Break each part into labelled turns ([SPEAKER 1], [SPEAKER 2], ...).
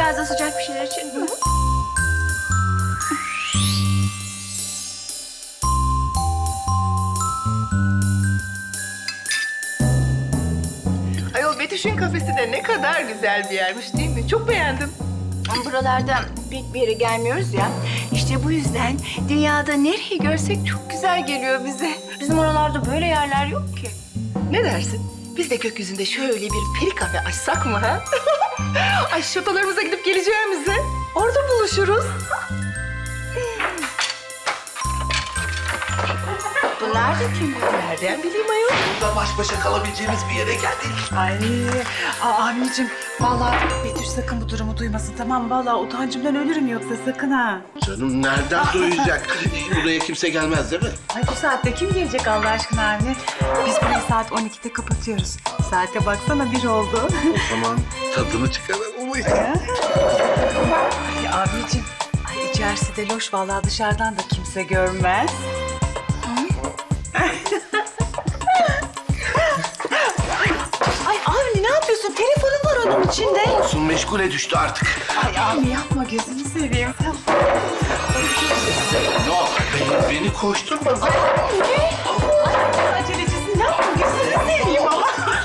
[SPEAKER 1] biraz da sıcak bir şeyler için. Hı?
[SPEAKER 2] Ayol Betüş'ün kafesi de ne kadar güzel bir yermiş değil mi? Çok beğendim.
[SPEAKER 1] Buralarda pek bir yere gelmiyoruz ya. İşte bu yüzden dünyada nereyi görsek çok güzel geliyor bize. Bizim oralarda böyle yerler yok ki.
[SPEAKER 2] Ne dersin? Biz de gökyüzünde şöyle bir peri kafe açsak mı ha? Ay şatolarımıza gidip geleceğimize orada buluşuruz.
[SPEAKER 1] Bunlar da kim?
[SPEAKER 2] Nereden bileyim ayol?
[SPEAKER 3] Burada baş başa kalabileceğimiz bir yere geldik.
[SPEAKER 4] Ay, abicim vallahi Betüş sakın bu durumu duymasın, tamam mı? Vallahi utancımdan ölürüm yoksa, sakın ha.
[SPEAKER 3] Canım nereden duyacak? Buraya kimse gelmez değil mi?
[SPEAKER 4] Ay bu saatte kim gelecek Allah aşkına Avni? Biz burayı saat 12'de kapatıyoruz. Saate baksana 1 oldu.
[SPEAKER 3] O zaman tadını çıkaralım.
[SPEAKER 4] Ay abicim, ay içerisi de loş vallahi, dışarıdan da kimse görmez. Ay Avni ne yapıyorsun? Telefonun var onun içinde.
[SPEAKER 3] Olsun, meşgule düştü artık.
[SPEAKER 4] Ay Avni yapma, gözünü seveyim.
[SPEAKER 3] Yok, beni koşturma.
[SPEAKER 4] Acelecisin, yapma, gözünü seveyim ama.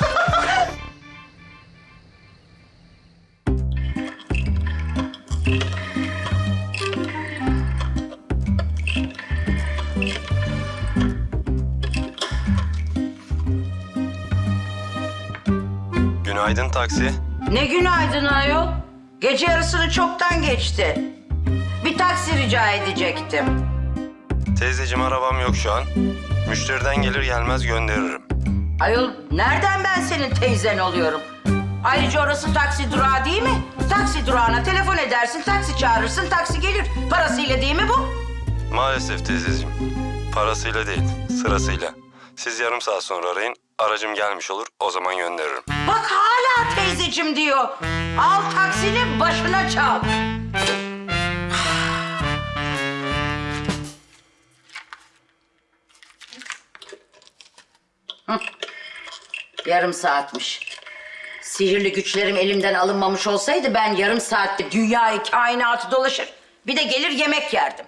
[SPEAKER 5] Günaydın taksi.
[SPEAKER 6] Ne günaydın ayol. Gece yarısını çoktan geçti. Bir taksi rica edecektim.
[SPEAKER 5] Teyzeciğim arabam yok şu an. Müşteriden gelir gelmez gönderirim.
[SPEAKER 6] Ayol nereden ben senin teyzen oluyorum? Ayrıca orası taksi durağı değil mi? Taksi durağına telefon edersin, taksi çağırırsın, taksi gelir. Parasıyla değil mi bu?
[SPEAKER 5] Maalesef teyzeciğim. Parasıyla değil, sırasıyla. Siz yarım saat sonra arayın. Aracım gelmiş olur, o zaman gönderirim.
[SPEAKER 6] Bak hala teyzecim diyor. Al taksini başına çal. Hı. Yarım saatmiş. Sihirli güçlerim elimden alınmamış olsaydı ben yarım saatte dünyayı, kainatı dolaşır. Bir de gelir yemek yerdim.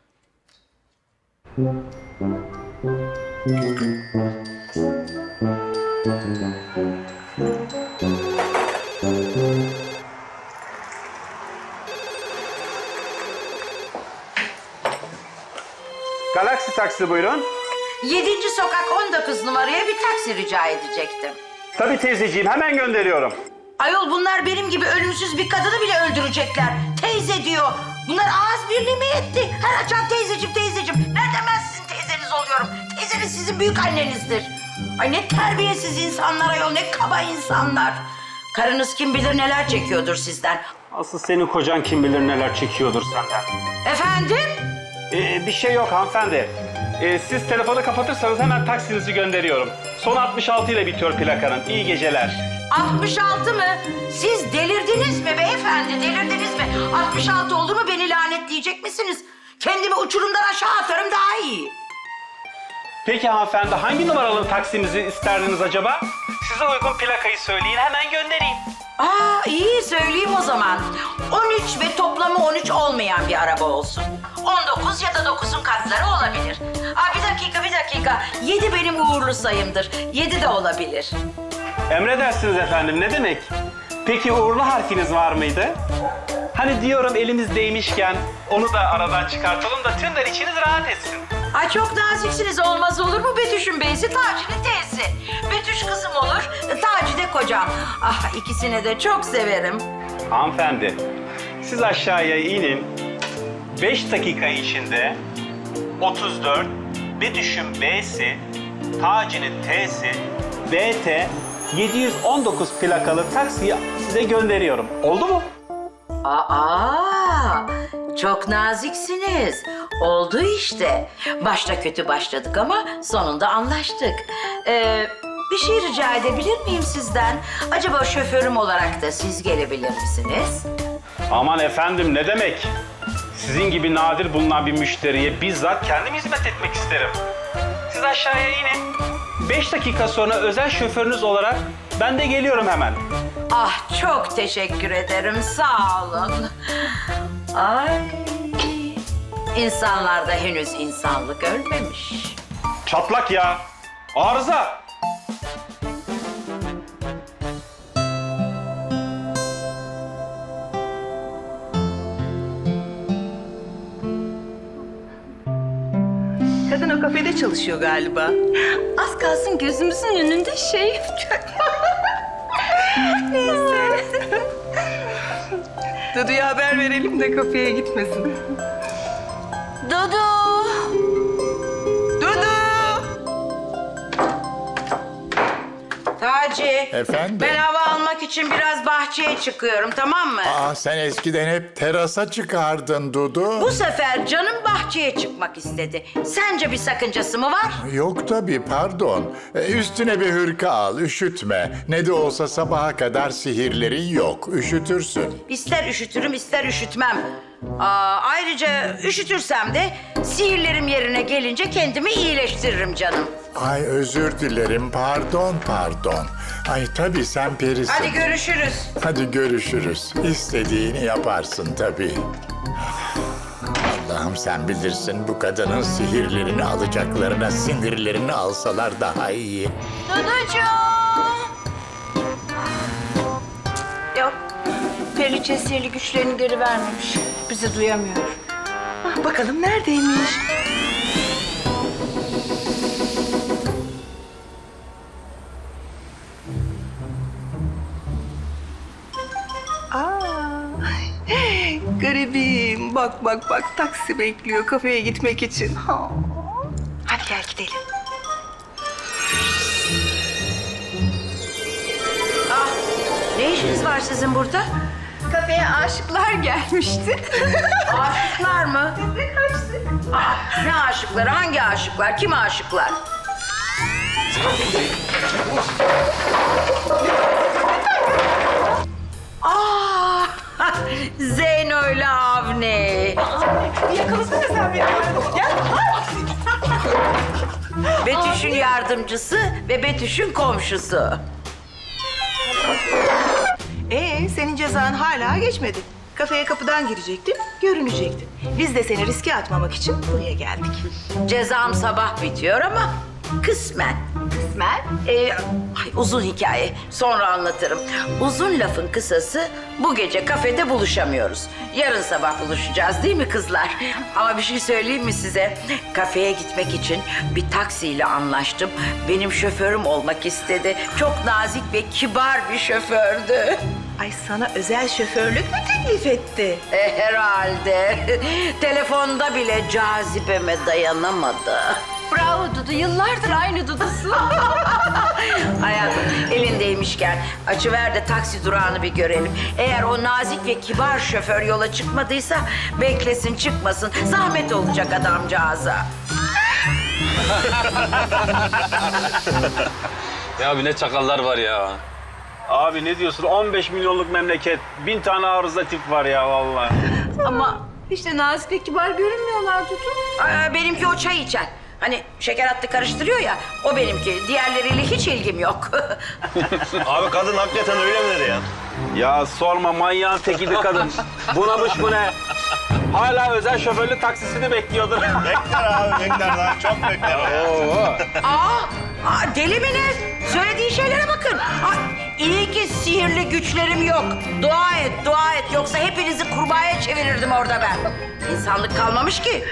[SPEAKER 7] Galaxy taksi buyurun.
[SPEAKER 6] 7. sokak 19 numaraya bir taksi rica edecektim.
[SPEAKER 7] Tabii teyzeciğim, hemen gönderiyorum.
[SPEAKER 6] Ayol bunlar benim gibi ölümsüz bir kadını bile öldürecekler. Teyze diyor. Bunlar ağız birliği mi etti? Her açan teyzeciğim teyzeciğim. Nereden ben sizin teyzeniz oluyorum? Teyzeniz sizin büyük annenizdir. Ay ne terbiyesiz insanlar ayol, ne kaba insanlar. Karınız kim bilir neler çekiyordur sizden.
[SPEAKER 7] Asıl senin kocan kim bilir neler çekiyordur senden.
[SPEAKER 6] Efendim?
[SPEAKER 7] Bir şey yok hanımefendi. Siz telefonu kapatırsanız hemen taksinizi gönderiyorum. Son 66 ile bitiyor plakanın. İyi geceler.
[SPEAKER 6] 66 mı? Siz delirdiniz mi beyefendi? Delirdiniz mi? 66 oldu mu beni lanetleyecek misiniz? Kendimi uçurumdan aşağı atarım daha iyi.
[SPEAKER 7] Peki hanımefendi, hangi numaralı taksimizi isterdiniz acaba? Size uygun plakayı söyleyin, hemen göndereyim.
[SPEAKER 6] Aa iyi söyleyeyim o zaman. 13 ve toplamı 13 olmayan bir araba olsun. 19 ya da 9'un katları olabilir. Aa bir dakika. 7 benim uğurlu sayımdır. 7 de olabilir.
[SPEAKER 7] Emredersiniz efendim, ne demek? Peki uğurlu harfiniz var mıydı? Hani diyorum elimizdeymişken onu da aradan çıkartalım da tümler içiniz rahat etsin.
[SPEAKER 6] Ay çok naziksiniz, olmaz olur mu Betüş'ün beysi, Taci'nin teyzesi. Betüş kızım olur, Taci de kocam. Ah ikisini de çok severim.
[SPEAKER 7] Hanımefendi, siz aşağıya inin. 5 dakika içinde 34, Betüş'ün B'si, Taci'nin T'si, BT 719 plakalı taksiyi size gönderiyorum. Oldu mu?
[SPEAKER 6] Aa, çok naziksiniz. Oldu işte. Başta kötü başladık ama sonunda anlaştık. Bir şey rica edebilir miyim sizden? Acaba şoförüm olarak da siz gelebilir misiniz?
[SPEAKER 7] Aman efendim, ne demek? Sizin gibi nadir bulunan bir müşteriye bizzat kendim hizmet etmek isterim. Siz aşağıya inin. 5 dakika sonra özel şoförünüz olarak ben de geliyorum hemen.
[SPEAKER 6] Ah çok teşekkür ederim. Sağ olun. Ay. İnsanlarda henüz insanlık ölmemiş.
[SPEAKER 7] Çatlak ya. Arıza.
[SPEAKER 2] Kadın o kafede çalışıyor galiba.
[SPEAKER 1] Az kalsın gözümüzün önünde şey yapacak. Neyse.
[SPEAKER 2] Dudu'ya haber verelim de kafeye gitmesin.
[SPEAKER 1] Dudu.
[SPEAKER 2] Dudu!
[SPEAKER 6] Taci.
[SPEAKER 8] Efendim?
[SPEAKER 6] Ben hava almak için biraz bahçeye çıkıyorum, tamam mı?
[SPEAKER 8] Sen eskiden hep terasa çıkardın Dudu.
[SPEAKER 6] Bu sefer canım bahçeye çıkmak istedi. Sence bir sakıncası mı var?
[SPEAKER 8] Yok tabii, pardon. Üstüne bir hırka al, üşütme. Ne de olsa sabaha kadar sihirlerin yok, üşütürsün.
[SPEAKER 6] İster üşütürüm, ister üşütmem. Ayrıca üşütürsem de sihirlerim yerine gelince kendimi iyileştiririm canım.
[SPEAKER 8] Ay özür dilerim, pardon. Ay tabii sen perisin.
[SPEAKER 6] Hadi görüşürüz.
[SPEAKER 8] Hadi görüşürüz. İstediğini yaparsın tabii. Allah'ım sen bilirsin, bu kadının sihirlerini alacaklarına sinirlerini alsalar daha iyi.
[SPEAKER 1] Duducuğum. Yok. Periçe sihirli güçlerini geri vermemiş. Bizi duyamıyor.
[SPEAKER 2] Bakalım neredeymiş? Garibim. Bak taksi bekliyor kafeye gitmek için. Hadi gel gidelim.
[SPEAKER 6] Ne işiniz var sizin burada?
[SPEAKER 1] Kafeye aşıklar gelmişti.
[SPEAKER 6] Aşıklar mı? Ne aşıkları? Hangi aşıklar? Kim aşıklar? Zeyno ile Avni.
[SPEAKER 4] Yakalasana sen beni. Gel.
[SPEAKER 6] Betüş'ün yardımcısı ve Betüş'ün komşusu.
[SPEAKER 2] Senin cezan hala geçmedi. Kafeye kapıdan girecektin, görünecektin. Biz de seni riske atmamak için buraya geldik.
[SPEAKER 6] Cezam sabah bitiyor ama kısmen.
[SPEAKER 1] Kısmen.
[SPEAKER 6] Uzun hikaye. Sonra anlatırım. Uzun lafın kısası bu gece kafede buluşamıyoruz. Yarın sabah buluşacağız değil mi kızlar? Ama bir şey söyleyeyim mi size? Kafeye gitmek için bir taksiyle anlaştım. Benim şoförüm olmak istedi. Çok nazik ve kibar bir şofördü.
[SPEAKER 2] Ay sana özel şoförlük mü teklif etti?
[SPEAKER 6] Herhalde. Telefonda bile cazibeme dayanamadı.
[SPEAKER 1] Bravo Dudu. Yıllardır aynı Dudu'sun.
[SPEAKER 6] Hayatım elindeymişken açıver de taksi durağını bir görelim. Eğer o nazik ve kibar şoför yola çıkmadıysa beklesin çıkmasın. Zahmet olacak adamcağıza.
[SPEAKER 5] Ya abi ne çakallar var ya.
[SPEAKER 7] Abi ne diyorsun? 15 milyonluk memleket. 1000 tane arıza tip var ya vallahi.
[SPEAKER 1] Ama hiç de nazik ve kibar görünmüyorlar Dudu.
[SPEAKER 6] Benimki o çay içen. Hani şeker hattı karıştırıyor ya, o benimki. Diğerleriyle hiç ilgim yok.
[SPEAKER 9] Abi kadın hakikaten öyle mi dedi ya?
[SPEAKER 7] Ya sorma, manyağın tekiydi kadın. Bunamış bu ne? Hala özel şoförlü taksisini bekliyordur.
[SPEAKER 9] Bekler abi bekler daha çok bekler.
[SPEAKER 6] Deli mi ne? Söylediği şeylere bakın. İyi ki sihirli güçlerim yok. Dua et. Yoksa hepinizi kurbağaya çevirirdim orada ben. İnsanlık kalmamış ki.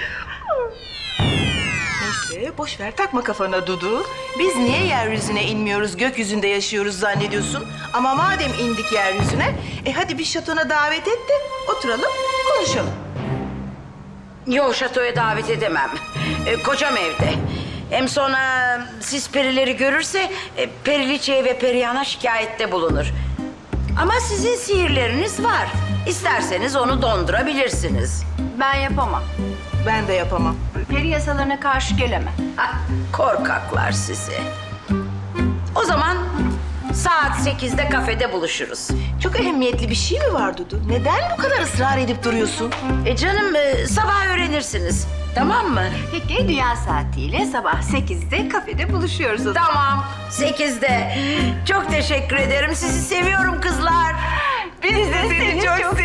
[SPEAKER 2] Neyse boş ver takma kafana Dudu. Biz niye yeryüzüne inmiyoruz, gökyüzünde yaşıyoruz zannediyorsun? Ama madem indik yeryüzüne, hadi bir şatona davet et de oturalım, konuşalım.
[SPEAKER 6] Yok, şatoya davet edemem. Kocam evde. Hem sonra siz perileri görürse Periliçe'ye ve Perihan'a şikayette bulunur. Ama sizin sihirleriniz var. İsterseniz onu dondurabilirsiniz.
[SPEAKER 1] Ben yapamam.
[SPEAKER 2] Ben de yapamam.
[SPEAKER 1] Peri yasalarına karşı gelemem.
[SPEAKER 6] Korkaklar sizi. O zaman saat 8'de kafede buluşuruz.
[SPEAKER 2] Çok ehemmiyetli bir şey mi var Dudu? Neden bu kadar ısrar edip duruyorsun?
[SPEAKER 6] Canım sabah öğrenirsiniz. Tamam mı?
[SPEAKER 1] Peki dünya saatiyle sabah 8'de kafede buluşuyoruz o zaman.
[SPEAKER 6] Tamam. 8'de. Çok teşekkür ederim. Sizi seviyorum kızlar.
[SPEAKER 1] Biz de seni çok